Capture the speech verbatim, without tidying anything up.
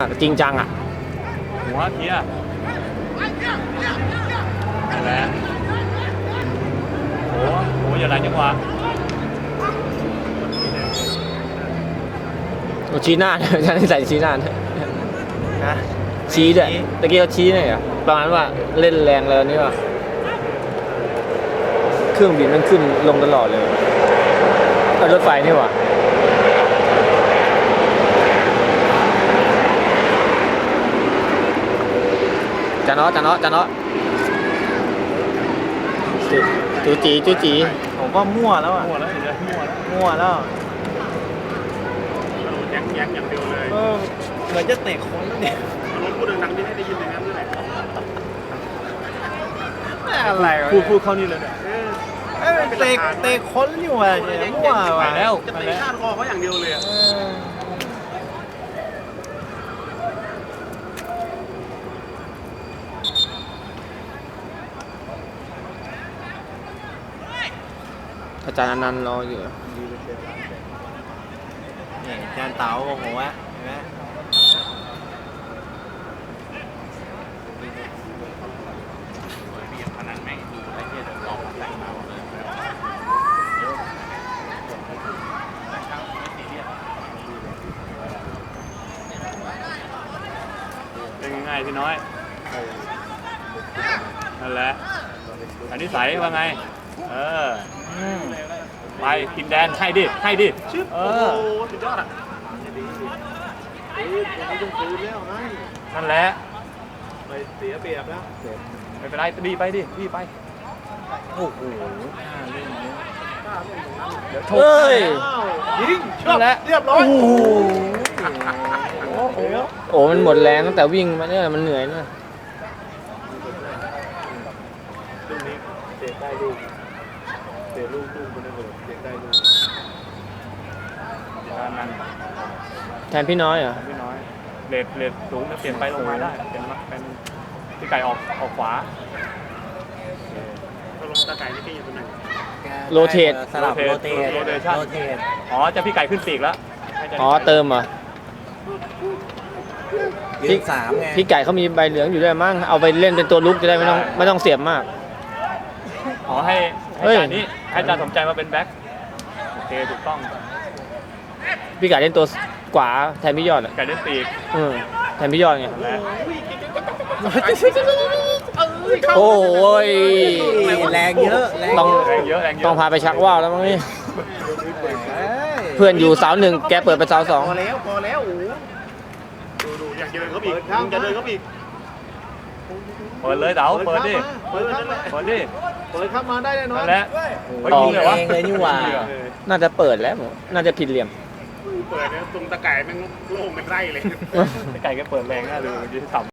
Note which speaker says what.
Speaker 1: จริงจังอ่ะ
Speaker 2: หัวเทียนั่นแหละโอ้โหอย่าไหลจังหวะ
Speaker 1: โอ้ชี้หน้าฉันใส่ชี้หน้านะชี้ด้วยตะกี้เขาชี้เนี่ยเหรอประมาณว่าเล่นแรงแล้วนี่ว่าเครื่องบินมันขึ้นลงตลอดเลยเอารถไฟนี่ว่ะจานอจานอจานอจูจีจูจี
Speaker 3: ผมว่ามั่วแล้วอ่ะ
Speaker 2: มั่วแล้วเดี๋ยวมั่วแล้ว
Speaker 3: มั่วแล้ว
Speaker 2: แยกแยกอย่างเดียวเลย
Speaker 3: เออเหมือนจะเตะคนแล้วเนี่ย
Speaker 2: รถพูดดังๆนี่ให้ได้ยินอย่างนั้นเลย
Speaker 3: อะไรวะ
Speaker 2: พูดพูดเข้านี่เลยเนี่ย
Speaker 3: เอ้ยเตะเตะคนอยู่ว่ะเนี่ยมั่ว
Speaker 2: ไป
Speaker 3: ว่ะ
Speaker 2: แล้ว
Speaker 4: จะ
Speaker 2: ไป
Speaker 4: เตะ
Speaker 2: แล้ว
Speaker 4: ชาติคอเขาอย่างเดียวเลยอะ
Speaker 3: เออ
Speaker 1: อาจารย์อนันต์รออยู่
Speaker 3: นี่จานเต๋าโอ้โหวะเห็นไหม
Speaker 2: พนันแม่งดูไอ้เหี้ยเดี๋ยวลองแต่งมาหมดเลยเป็นง่ายพี่น้อยนั่นแหละอันนี้ใสว่าไงเออไปกินแดนให้ดิให้ดิ
Speaker 4: ชึบ
Speaker 2: เอ
Speaker 4: โอ้
Speaker 2: อ
Speaker 4: โหสุดยอดอ่ะเฮ้ยวันนี้ต้องคืนแล้วไง
Speaker 2: นั่นแหละ
Speaker 4: ไปเสียเปรียบแล้ว
Speaker 2: ไม่เป็นไรดีไปดิดีไป
Speaker 3: โอ้โห
Speaker 2: เดี๋ยวโช
Speaker 1: เฮ้ย
Speaker 4: อ้าวยิงช
Speaker 2: นั่นแหละ
Speaker 4: เรียบร้อย
Speaker 1: โอ้โห
Speaker 2: โอ้โห
Speaker 1: โอ้มันหมดแรงตั้งแต่วิ่งมาเนี่ยมันเหนื่อยนะ
Speaker 4: ลูกนี้เตะได้ลูกเตะลูกลูกคนนั้นเลยเตะได้ลูก
Speaker 2: การนั้น
Speaker 1: แทนพี่น้อยเหรอ
Speaker 2: พี่น้อยเลดเลดสูงจะเปลี่ยนไปลงมาได้เปลี่ยนมาเป็นพี่ไก่ออกออกขวา
Speaker 4: ถ้าลงตะไก่นี่พี่อยู่ตรงไหน
Speaker 1: โรเทต
Speaker 3: สลับโรเทต
Speaker 2: โรเทชั่น
Speaker 3: โรเทต
Speaker 2: อ๋อจะพี่ไก่ขึ้นปีกแล้วให้จะ
Speaker 1: อ๋อเติมเหรอ
Speaker 3: ยืนสามไง
Speaker 1: พี่ไก่เขามีใบเหลืองอยู่ด้วยมั้งเอาไปเล่นเป็นตัวลุกจะได้ไม่ต้องไม่ต้องเสียบมาก
Speaker 2: อ๋อให้
Speaker 1: เฮ้
Speaker 2: ให้
Speaker 1: ย
Speaker 2: จานนี้ให้จานสมใจมาเป็นแบ็คโอเคถูกต้อง
Speaker 1: พี่ไก่เล่นตัวขวาแทนพี่ยอดอ่ะ
Speaker 2: ไก่เล่นปีก
Speaker 1: เออแทนพี่ยอดไง
Speaker 2: และ
Speaker 1: โอ้ย
Speaker 3: แรงเยอะแรง
Speaker 1: ต้อง
Speaker 2: แรงเยอะแรงเยอะ
Speaker 1: ต้องพาไปชักว่าวแล้วมั้งนี่
Speaker 3: เอ้ย
Speaker 1: เพื่อนอยู่เสาหนึ่งแกเปิดไปเสาสอง
Speaker 4: พอแล้วพอแล้วโอ้โหดูดูอยากเดินเขาอีกมึงจะเดินเขาอีก
Speaker 2: เปิดเลยเต๋าเปิดดิ
Speaker 4: เปิดเข้ามา
Speaker 2: เปิดดิ
Speaker 4: เปิดเข้ามาได้แน่นอน
Speaker 2: นั่นแหละ
Speaker 3: โอ้
Speaker 2: เฮ้ย
Speaker 3: โห
Speaker 2: ยิงเลยวะ
Speaker 3: เองเลยนี่หว่า
Speaker 1: น่าจะเปิดแล้วผมน่าจะผิดเหลี่ยม
Speaker 4: เปิดเนี่ยตรงตะไก่แม่งโล่งเป็นไร่เลย
Speaker 2: พี่ไก่แกเปิดแรงน่าดูยืนต่ำ